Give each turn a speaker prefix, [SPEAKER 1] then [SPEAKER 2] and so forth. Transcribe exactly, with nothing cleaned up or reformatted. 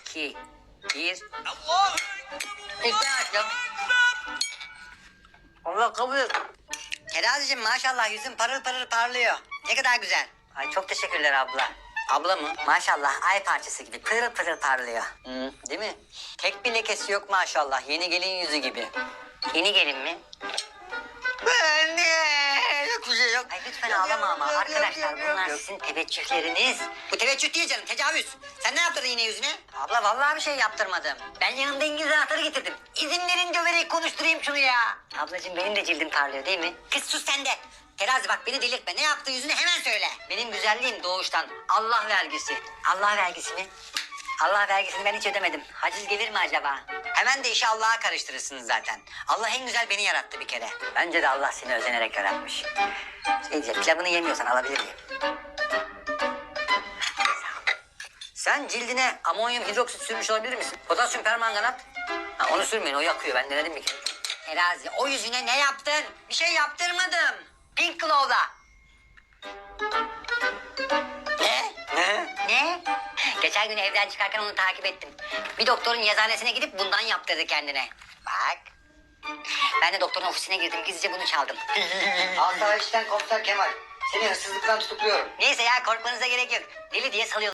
[SPEAKER 1] iki, bir. İşte açtım. Allah kabul et. Terazicim maşallah yüzün parıl parıl parlıyor. Ne kadar güzel. Ay çok teşekkürler abla. Abla mı? Maşallah ay parçası gibi pırıl pırıl parlıyor. Hı, değil mi? Tek bir lekesi yok maşallah. Yeni gelin yüzü gibi. Yeni gelin mi? Anne! Yok bir şey yok. Ay lütfen ağlama ama arkadaşlar bunlar sizin teveccühleriniz. Bu teveccüh değil canım, tecavüz. Sen ne yaptırdın yine yüzüne? Abla vallahi bir şey yaptırmadım. Ben yanımda İngiliz anahtarı getirdim. İzin verin döverek konuşturayım şunu ya. Ablacığım benim de cildim parlıyor değil mi? Kız sus sen de. Terazi bak beni delirtme. Ne yaptı yüzüne hemen söyle. Benim güzelliğim doğuştan. Allah vergisi. Allah vergisi mi? Allah vergisini ben hiç ödemedim. Haciz gelir mi acaba? Hemen de işi Allah'a karıştırırsınız zaten. Allah en güzel beni yarattı bir kere. Bence de Allah seni özenerek yaratmış. Şey diyeceğim, pilavını yemiyorsan alabilir miyim? Sen cildine amonyum hidroksit sürmüş olabilir misin? Potasyum permanganat. Ha, onu sürmeyin, o yakıyor. Ben denedim bir kere. Terazi, o yüzüne ne yaptın? Bir şey yaptırmadım. Pink Glow'da. Ne? Ne? Ne? Geçen gün evden çıkarken onu takip ettim. Bir doktorun yazanesine gidip bundan yaptırdı kendine. Bak. Ben de doktorun ofisine girdim. Gizlice bunu çaldım.
[SPEAKER 2] Asayişten komiser Kemal. Seni hırsızlıktan tutukluyorum.
[SPEAKER 1] Neyse ya korkmanıza gerek yok. Deli diye salıyor.